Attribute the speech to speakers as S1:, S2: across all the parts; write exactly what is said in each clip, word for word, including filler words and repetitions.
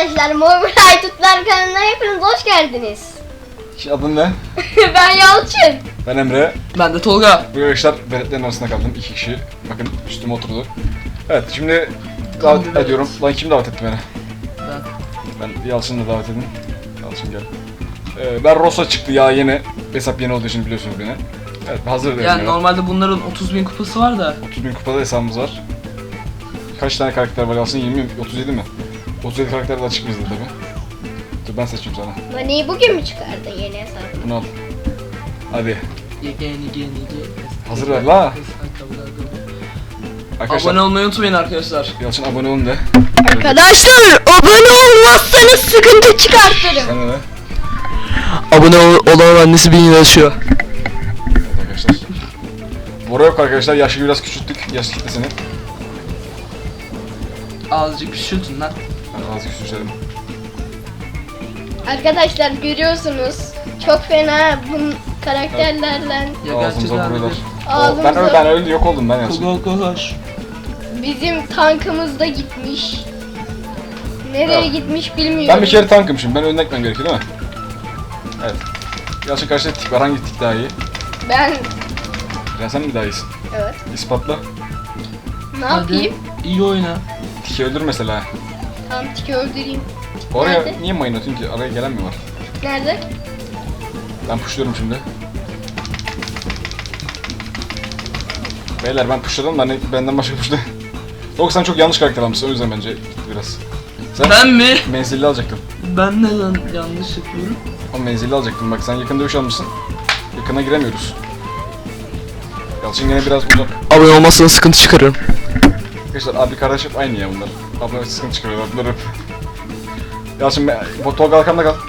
S1: Arkadaşlar Mobilay Tutlar kanalına hepiniz hoş geldiniz.
S2: Adın ne?
S1: Ben Yalçın.
S2: Ben Emre.
S3: Ben de Tolga.
S2: Bu arkadaşlar veletlerin arasında kaldım. İki kişi. Bakın üstüme oturdu. Evet şimdi davet
S3: Tamam,
S2: ediyorum. Lan kim davet etti beni?
S3: Ben.
S2: Ben Yalçın'ı da davet edin. Yalçın gel. Ee, ben Rosa çıktı ya yeni. Hesap yeni olduğu için biliyorsunuz beni. Evet hazır değilim.
S3: Yani normalde bunların otuz bin kupası var da.
S2: otuz bin kupada hesabımız var. Kaç tane karakter var Yalçın? yirmi mi? otuz yedi mi? otuz yedi karakter de açık bizde tabi. Dur ben seçeyim sana.
S1: Mani'yi bugün mü çıkardın yeni hesabı?
S2: Bunu al. Hadi.
S3: Yeni yeni yeni.
S2: Hazır ver la. Arkadaşlar.
S3: Abone olmayı unutmayın arkadaşlar.
S2: Yalçın abone olun de.
S1: Arkadaşlar abone olmazsanız sıkıntı çıkartırım.
S2: Sen de de.
S3: Abone ol olan annesi bin lira yaşıyor.
S2: Evet arkadaşlar. Bora yok arkadaşlar. Yaşı biraz küçülttük. Yaş kitlesini.
S3: Azıcık küçültün lan.
S2: Yani az küçültelim.
S1: Arkadaşlar görüyorsunuz çok fena bu karakterlerle
S3: Ya
S2: Ağzımıza
S3: gerçekten
S2: vuruyorlar.
S1: Ağzımıza-
S2: Ben öyle ben öyle yok oldum ben Yalçın.
S3: Kogo koş.
S1: bizim tankımız da gitmiş. Nereye
S2: Ya.
S1: gitmiş bilmiyorum.
S2: Ben bir kere tankım şimdi. Ben önden gitmem gerekiyor değil mi? Evet. Yalçın karşıda tik var. Hangi tik daha iyi?
S1: Ben
S2: Ya sen mi daha iyisin?
S1: evet.
S2: İspatla.
S1: Ne yapayım?
S3: İyi oyna.
S2: Tiki öldür mesela.
S1: Tam tiki öldüreyim.
S2: Oraya
S1: Nerede?
S2: niye mayın atıyorsun ki? Araya gelen mi var?
S1: Nerede?
S2: Ben pushluyorum şimdi. Beyler ben pushladım da hani benden başka pushlu. Yok sen çok yanlış karakter almışsın o yüzden bence biraz. Sen
S3: Ben mi?
S2: menzilli alacaktın.
S3: Ben neden yanlış yapıyorum?
S2: O menzilli alacaktın bak sen yakın dövüş almışsın. Yakına giremiyoruz. Yalçın gene biraz uzak.
S3: Abone olmazsanız sıkıntı çıkarırım.
S2: Arkadaşlar abi kardeş hep aynı ya bunlar. Abla sıkıntı çıkarıyorlar bunlar hep. Yalçın be, bu Tolga arkamda kal.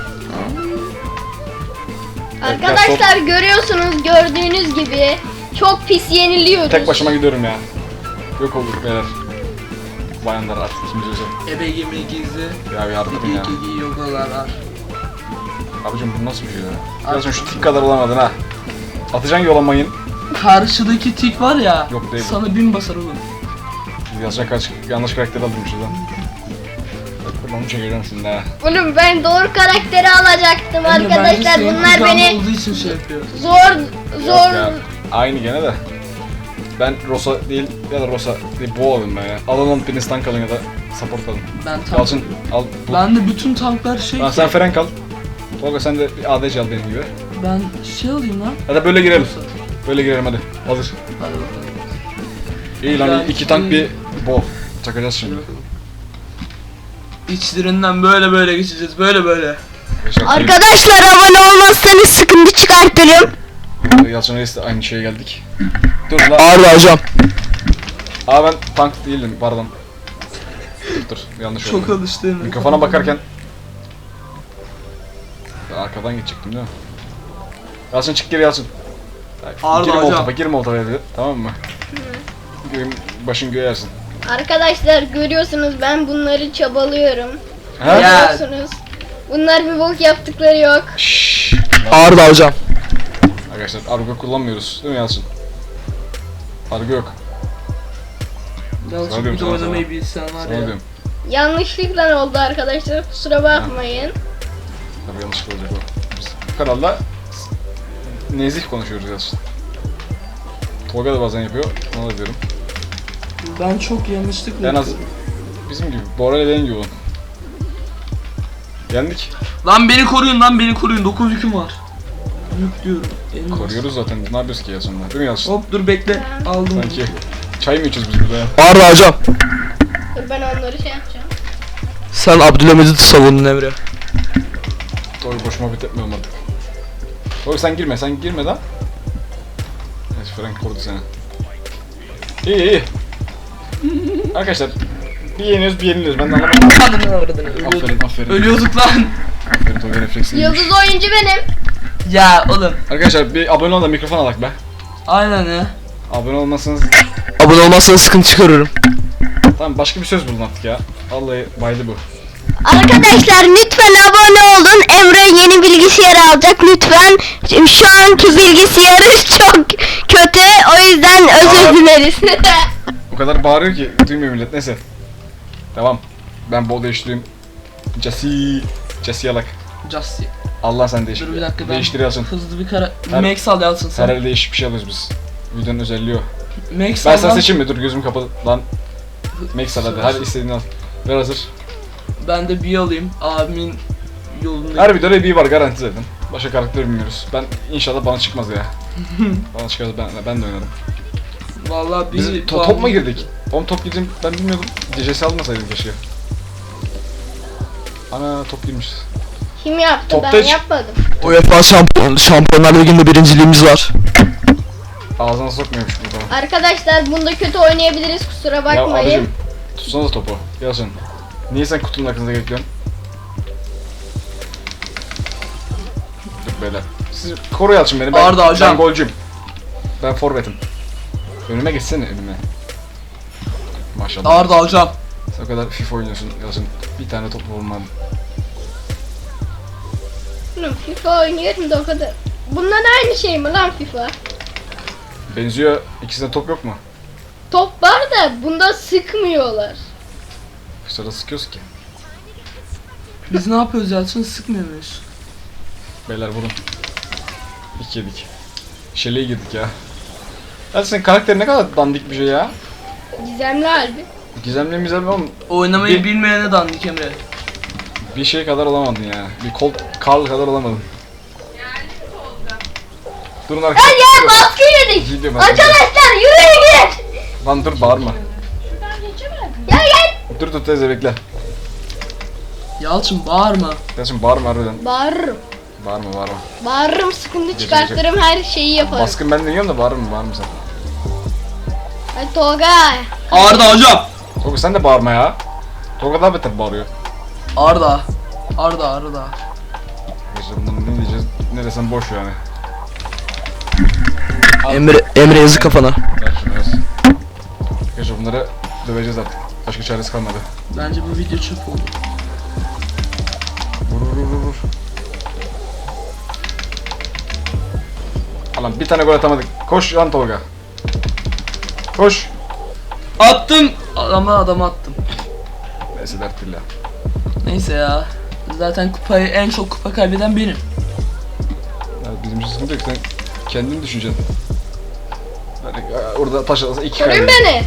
S2: Evet,
S1: Arkadaşlar görüyorsunuz gördüğünüz gibi çok pis yeniliyoruz.
S2: Tek başıma gidiyorum ya. Yok olduk beyler. Bayanlar artık ikimiz özel.
S3: Ebe yemeği gizli.
S2: Ya yardım edin ya.
S3: Gigi yogalar var.
S2: Abicim bu nasıl bir şey ya? Yalçın şu tik kadar olamadın ha. Atacaksın yola mayın.
S3: Karşıdaki tik var ya.
S2: Yok, değil.
S3: Sana bin basar oğlum.
S2: Yalçın kaç yanlış karakter aldırmışız lan. Onu çekeceğim şimdi ha.
S1: Oğlum ben doğru karakteri alacaktım
S3: Bence
S1: arkadaşlar.
S3: senin
S1: Bunlar
S3: kucağında
S1: beni
S3: olduğu için şey yapıyor.
S1: zor
S2: Yok
S1: zor
S2: ya, aynı gene de. Ben Rosa değil ya da Rosa değil Bo alayım ben ya. Alın onu biriniz tank alın ya da support alın.
S3: Ben tank.
S2: Yalçın al bu.
S3: Ben de bütün tanklar şey.
S2: Lan sen Ferenk al. Tolga sen de bir A D C al benim gibi.
S3: Ben şey alayım lan.
S2: Hadi böyle girelim.
S3: Rosa.
S2: Böyle girelim hadi. Hazır.
S3: Hadi bakalım.
S2: İyi lan
S3: Yani-
S2: iki tank bir Bo. Çakacağız şimdi.
S3: İçlerinden böyle böyle geçeceğiz. Böyle böyle.
S2: Arkadaşlar,
S1: Arkadaşlar abone olmazsanız sıkıntı çıkartırım.
S2: Yalçın Reis'le aynı şeye geldik. Dur lan.
S3: Ağır hocam.
S2: Aa ben tank değilim pardon. Dur yanlış
S3: Çok
S2: oldu.
S3: alıştım.
S2: Mikrofona bakarken ben arkadan geçecektim değil mi? Yalçın çık geri Yalçın.
S3: Ağır
S2: girme
S3: hocam.
S2: oltapa, girme oltapa dedi. Tamam mı? Göğün, başın göğe yersin.
S1: Arkadaşlar görüyorsunuz ben bunları çabalıyorum.
S2: Ha?
S3: Ya.
S1: Görüyorsunuz. Bunlar bir bok yaptıkları yok.
S2: Şşş.
S3: Ağır da hocam.
S2: Arkadaşlar argo kullanmıyoruz değil mi Yalçın? Argo yok. Sana
S3: Yalçın
S2: diyorum,
S3: bir de
S2: sana,
S3: oynamayı
S2: sana.
S3: bilsen var
S2: Sana
S3: ya.
S2: diyorum.
S1: Yanlışlıkla oldu arkadaşlar kusura bakmayın.
S2: Tabii yanlış olacak o. Biz bu kanalda nezih konuşuyoruz Yalçın. Tolga da bazen yapıyor. Ona da diyorum.
S3: Ben çok yanlışlıkla
S2: En az
S3: yapıyorum.
S2: bizim gibi. Bora ile benim gibi olun. Yendik.
S3: Lan beni koruyun lan beni koruyun. dokuz yüküm var. Yük diyorum. Elmas.
S2: Koruyoruz zaten. Ne yapıyoruz ki Yalçın'la? Değil mi Yalçın?
S3: Hop dur bekle. Aldım.
S2: Sanki çay mı içiyoruz biz burada ya?
S3: Ağır da hocam.
S1: Dur ben onları şey yapacağım.
S3: Sen Abdülhamid'i savundun Emre.
S2: Doğru boşuma bitmiyorum artık. Doğru sen girme, sen girme lan. Evet Frank korudu seni. İyi iyi. Arkadaşlar bir yeniyoruz bir yeniliyoruz ben de anlamadım.
S3: Ananı avradını ölüyorduk.
S2: Aferin aferin.
S3: Ölüyorduk lan.
S2: Aferin Tolga refleksini iyiymiş.
S1: Yıldız oyuncu benim.
S3: Ya oğlum.
S2: Arkadaşlar bir abone ol da mikrofon alak be.
S3: Aynen ya.
S2: Abone olmazsanız
S3: Abone olmazsanız sıkıntı çıkarırım.
S2: tamam başka bir söz bulun artık ya. Vallahi baydı bu.
S1: Arkadaşlar lütfen abone olun. Emre yeni bilgisayar alacak lütfen. Şimdi şu anki bilgisayarı çok kötü. O yüzden özür
S2: Aa.
S1: dileriz.
S2: O kadar bağırıyor ki duymuyor millet neyse. Devam. Ben bol değiştireyim. Jesse. Jesse Yalak.
S3: Justy.
S2: Allah sen değiştir.
S3: Dur bir dakika ben
S2: Değiştir Yalçın.
S3: hızlı bir kara...
S2: Her-
S3: Max al Yalçın
S2: Her
S3: sen.
S2: el değişik bir şey alıyoruz biz. Videonun özelliği o.
S3: Max
S2: Ben
S3: al
S2: sana
S3: lan.
S2: seçeyim mi? Dur gözüm kapalı. Lan. Max al hadi. Hadi istediğini al. Ver hazır.
S3: Ben de bir alayım. Abimin yolunda.
S2: Her videoda bir var garanti zaten. Başka karakter bilmiyoruz. Ben inşallah bana çıkmaz ya. Bana çıkarsa ben, ben de oynarım.
S3: Vallahi bir
S2: Biz to- top mu girdik? Oğlum top girdim ben bilmiyordum. C S'si almasaydım keşke. Ana top girmiş.
S1: Kim yaptı?
S2: Topta
S1: Ben
S2: hiç-
S1: yapmadım.
S3: UEFA şampiyon, Şampiyonlar Ligi'nde birinciliğimiz var.
S2: Ağzına sokmuyormuş bu zaman.
S1: Arkadaşlar bunda kötü oynayabiliriz, kusura
S2: Ya
S1: bakmayın.
S2: abicim tutsana da topu. Yalçın. Niye sen kutunun arkasında bekliyorsun? Dur beyler. Siz koru Yalçın beni. Ben,
S3: Arda hocam.
S2: Ben golcüyüm. Ben forvetim. Önüme geçsene önüme. Maşallah.
S3: Arda hocam.
S2: Sen o kadar FIFA oynuyorsun Yalçın. Bir tane top olmadı.
S1: Oğlum FIFA oynuyorum da o kadar. Bundan aynı şey mi lan FIFA?
S2: Benziyor. İkisinde top yok mu?
S1: Top var da bunda sıkmıyorlar.
S2: Sırada sıkıyoruz ki.
S3: Biz ne yapıyoruz Yalçın? Sıkmıyor muyuz?
S2: Beyler vurun. İki yedik. Şeleğe girdik ya. Ya senin karakterin ne kadar dandik bir şey ya.
S1: Gizemli halde.
S2: Gizemli mizemli oğlum.
S3: Oynamayı
S2: Bir-
S3: bilmeyene dandik Emre.
S2: Bir şey kadar olamadın ya. Bir kol Karl kadar olamadın. Durun arkadaşlar.
S1: Hadi ya baskı yedik.
S2: Gidiyorum ben.
S1: Arkadaşlar yürüyün git.
S2: Lan dur bağırma.
S1: Gel gel.
S2: Dur dur teyze bekle.
S3: Yalçın bağırma.
S2: Kardeşim bağırma harbiden.
S1: Bağırırım.
S2: Bağırma bağırma.
S1: Bağırırım, sıkıntı
S2: Gece
S1: çıkartırım, her şeyi yaparım.
S2: Baskın ben de yiyorum da bağırma bağırma sen.
S1: Hadi Tolga.
S3: Arda hocam.
S2: Tolga sen de bağırma ya. Tolga daha beter bağırıyor.
S3: Arda. Arda Arda.
S2: Arkadaşlar bundan ne diyeceğiz? Ne desem boş yani.
S3: Emre Emre yazı kafana.
S2: Ver şunu yaz. Arkadaşlar bunları döveceğiz artık. Başka çaresi kalmadı.
S3: Bence bu video çöp oldu.
S2: Vur vur vur vur. Alan bir tane gol atamadık. Koş lan Tolga. Koş.
S3: Attım. Adama adama attım.
S2: Neyse dert değil ya.
S3: Neyse ya. Zaten kupayı en çok kupa kaybeden benim.
S2: Ya bizim için sıkıntı yok sen kendini düşüneceksin. Hani e, orada taş atasa iki
S1: Koruyun
S2: kaybeder.
S1: beni.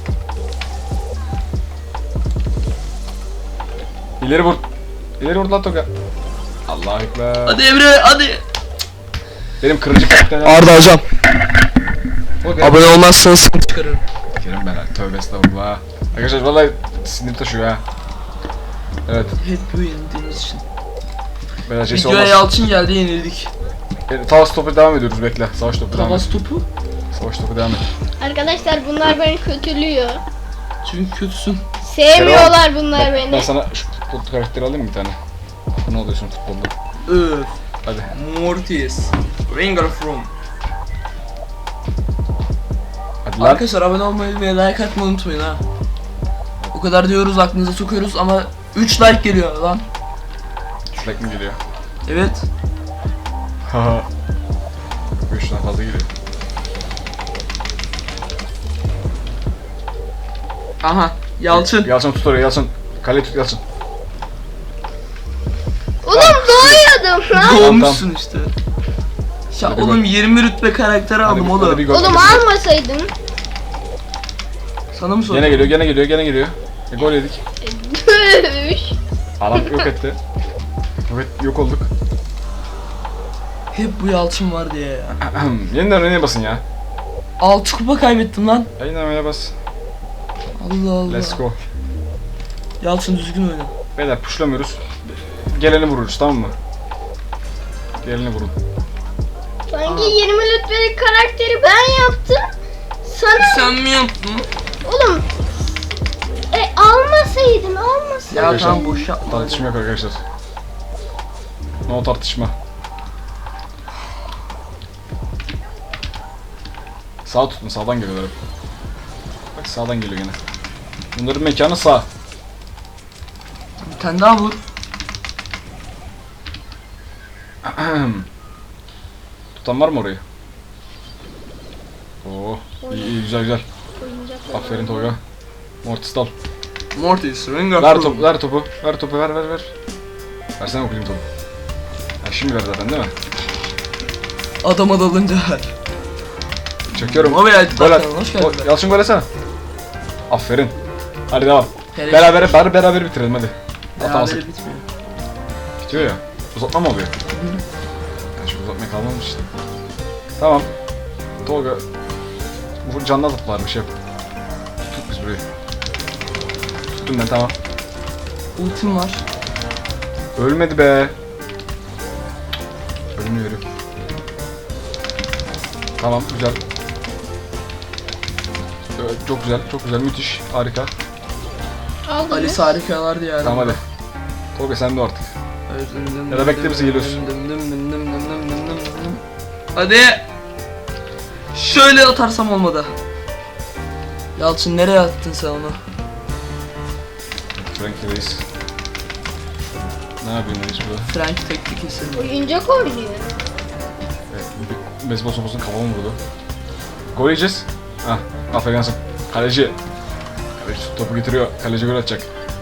S2: İleri vur. İleri vur lan Tolga. Allahu ekber.
S3: Hadi Emre hadi.
S2: Benim kırıcı karakterler.
S3: Arda hocam.
S2: O benim-
S3: Abone olmazsanız sıkıntı çıkarırım.
S2: Kerim ben ha. Tövbe estağfurullah. Arkadaşlar vallahi sinir taşıyor ha. Evet.
S3: Hep bu yenildiğimiz için.
S2: Beyler Jesse
S3: Videoya
S2: olmaz.
S3: Yalçın geldi yenildik.
S2: E, Savaş topu devam ediyoruz bekle. Savaş topu devam et.
S3: Tavas topu.
S2: Savaş topu devam et.
S1: Arkadaşlar bunlar beni kötülüyor.
S3: Çünkü kötüsün.
S1: Sevmiyorlar bunlar
S2: Ben, ben
S1: beni.
S2: sana şu futbol karakteri alayım mı bir tane? Ne oluyorsun futbolda?
S3: Öf.
S2: Hadi.
S3: Mortis. Ringer from.
S2: Hadi lan.
S3: Arkadaşlar abone olmayı ve like atmayı unutmayın ha. O kadar diyoruz aklınıza sokuyoruz ama üç like geliyor lan.
S2: Slack mi geliyor?
S3: Evet.
S2: Haha. Üçten fazla geliyor.
S3: Aha. Yalçın.
S2: Yalçın tut oraya Yalçın. Kale tut Yalçın.
S1: Oğlum doğuyordum lan.
S3: Doğmuşsun işte. Ya
S2: Hadi
S3: oğlum
S2: bak.
S3: yirmi rütbe karakteri
S2: Hadi
S3: aldım
S2: bir-
S3: oğlum.
S2: hadi bir gol.
S1: Oğlum almasaydın.
S3: Sana mı
S2: Gene
S3: sordum?
S2: geliyor gene geliyor gene geliyor. E, gol yedik.
S1: Düş.
S2: Adam yok etti. Evet yok olduk.
S3: Hep bu Yalçın var diye ya.
S2: Yeniden öne basın ya.
S3: altı kupa kaybettim lan.
S2: Yeniden öne bas.
S3: Allah Allah.
S2: Let's go.
S3: Yalçın düzgün oyna.
S2: Beyler puşlamıyoruz. Geleni vururuz tamam mı? Geleni vurun.
S1: Sanki yirmi lütfelik karakteri ben yaptım. Sana
S3: Sen mi yaptın?
S1: oğlum e almasaydın almasaydın.
S3: Ya
S2: Arkadaşlar,
S3: tamam boş yapma.
S2: Tartışma yok arkadaşlar. No tartışma. Sağ tutun sağdan geliyorlar hep. Bak sağdan geliyor gene. Bunların mekanı sağ.
S3: Bir tane daha vur.
S2: Tutan var mı orayı? Oo, iyi, iyi güzel güzel.
S1: Oyuncak
S2: Aferin Tolga. Mortis dal.
S3: Mortis, Rengar.
S2: Ver topu, ver topu, ver topu, ver ver ver. Versene okuyayım topu. Ha, şimdi ver zaten değil mi?
S3: Adama dalınca ver.
S2: Çekiyorum.
S3: Ama ya,
S2: Gol at.
S3: hoş geldin.
S2: Gol- Yalçın gol etsene. Aferin. Hadi devam.
S3: Hele
S2: Beraber, beraber, beraber bitirelim hadi. Atamazsak.
S3: Berabere bitmiyor.
S2: Bitiyor ya. Uzatma mı oluyor? Ya şu uzatmaya kalmamış işte. Tamam. Tolga. Bu canlı toplar bir şey yap. Tut biz burayı. Tuttum ben tamam.
S3: Ultim var.
S2: Ölmedi be. Ölmüyorum. Tamam güzel. Evet, çok güzel, çok güzel, müthiş, harika.
S1: Aldın
S3: Ali
S1: mı?
S3: harikalardı yani.
S2: Tamam hadi. Tolga sen de artık. Ya da bekle bizi geliyoruz.
S3: Hadi. Şöyle atarsam olmadı. Yalçın nereye attın sen onu?
S2: Frankie Reis. Ne yapıyorsun Reis burada?
S3: Frank tekli kesin.
S1: Oyuncak oynuyor.
S2: Evet, bir beyzbol sopasının kafama vurdu. Gol yiyeceğiz. Hah, Afganistan. Kaleci. Kaleci topu getiriyor. Kaleci gol atacak.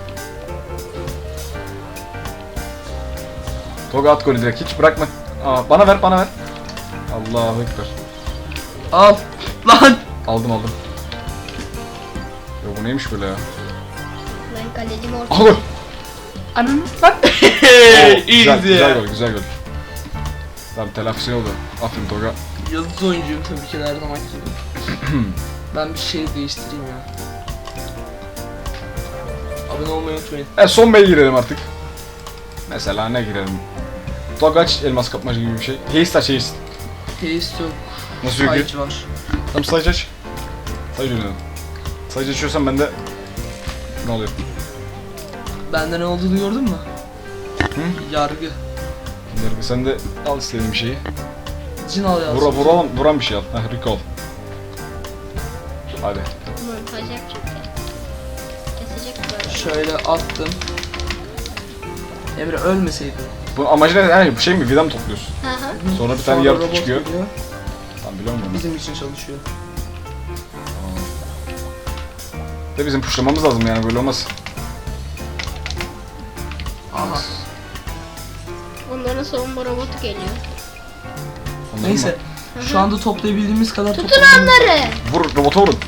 S2: Tolga at golü direkt. Hiç bırakma. Aa, bana ver, bana ver. Allahu Ekber.
S3: Al. Lan.
S2: Aldım aldım. Ya bu neymiş böyle ya?
S1: Ben kalecim orta.
S2: Al gol.
S3: Ananı lan.
S2: Oo, güzel,
S3: Easy.
S2: güzel gol, güzel gol. Tamam telafisi oldu. Aferin Tolga.
S3: Yıldız oyuncuyum tabii ki de her zaman gibi. Ben bir şey değiştireyim ya. Abone olmayı unutmayın.
S2: E son beye girelim artık. Mesela ne girelim? Tolga aç elmas kapmaca gibi bir şey. Haste aç haste.
S3: Taste yok.
S2: Nasıl yok
S3: Sayıcı var.
S2: Tamam sayıcı aç. Sayıcı oynayalım. Sayıcı açıyorsan ben de... Ne oluyor?
S3: Bende ne olduğunu gördün mü?
S2: Hı?
S3: Yargı.
S2: Yargı sen de al istediğin bir şeyi.
S3: Cin al yazsın.
S2: Vura, vuran, vuran bir şey al. Heh recall. Hadi.
S1: Montaj yapacak ya. Kesecek böyle.
S3: Şöyle attım. Emre ölmeseydin.
S2: Bu amacı ne? Yani bu şey mi? Vida mı topluyorsun?
S1: Hı hı.
S2: Sonra bir
S3: Sonra
S2: tane yaratık
S3: robot
S2: çıkıyor.
S3: geliyor,
S2: Tamam biliyor musun?
S3: bizim için çalışıyor.
S2: De bizim puşlamamız lazım yani böyle olmaz.
S3: Aha.
S1: Onların savunma robotu geliyor.
S2: Onların
S3: Neyse.
S2: mı?
S3: Şu anda toplayabildiğimiz kadar
S1: Tutun
S3: toplamamız-
S1: onları.
S2: Vur robota vurun.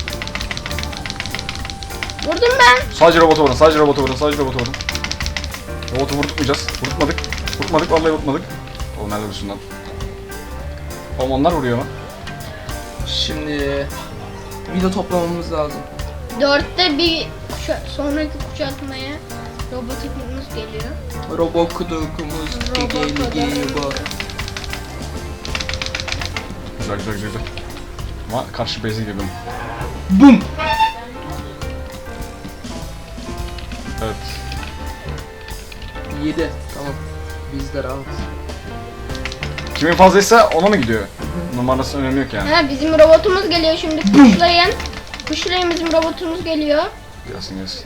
S1: Vurdum ben.
S2: Sadece robota vurun. Sadece robota vurun. Sadece robota vurun. Robotu vurtmayacağız. Vurtmadık. Vurtmadık vallahi vurtmadık. Oğlum nerede vursun lan? Oğlum onlar vuruyor mu?
S3: Şimdi vida toplamamız lazım.
S1: Dörtte bir kuşa sonraki kuşatmaya robotumuz geliyor.
S3: Robot kudukumuz
S1: Robot
S3: geliyor bu.
S2: Güzel güzel güzel güzel. Ama karşı base'e girdim.
S3: Bum.
S2: Evet.
S3: yedi. Tamam. Bizde rahat.
S2: Kimin fazlaysa ona mı gidiyor? Numarası önemi yok yani.
S1: Ha bizim robotumuz geliyor şimdi kuşlayın. Kuşlayın bizim robotumuz geliyor.
S2: Gelsin gelsin.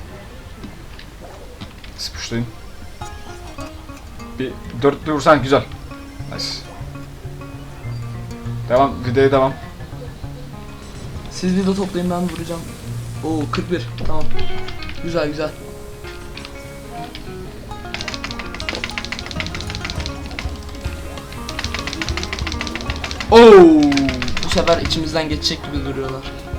S2: Siz puşlayın. Bir dört bir vursan güzel. Nice. Devam, videoya devam.
S3: Siz vida toplayın, ben vuracağım. Oo kırk bir. Tamam. Güzel güzel. Oo, bu sefer içimizden geçecek gibi duruyorlar.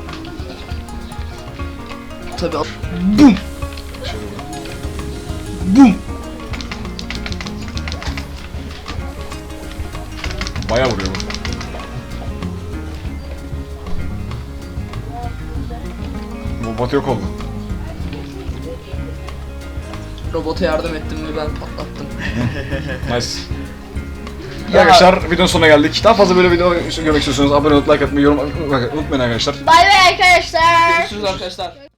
S3: Tabii. al- Bum.
S2: Şöyle vurun.
S3: Bum.
S2: Bayağı vuruyor bu. Bu bot yok oldu.
S3: Robota yardım ettim ve ben patlattım.
S2: Nice.
S3: Ya-
S2: Arkadaşlar videonun sonuna geldik. Daha fazla böyle video görmek istiyorsanız abone olup like atmayı, yorum unutmayın arkadaşlar.
S1: Bay bay arkadaşlar.
S3: Görüşürüz arkadaşlar.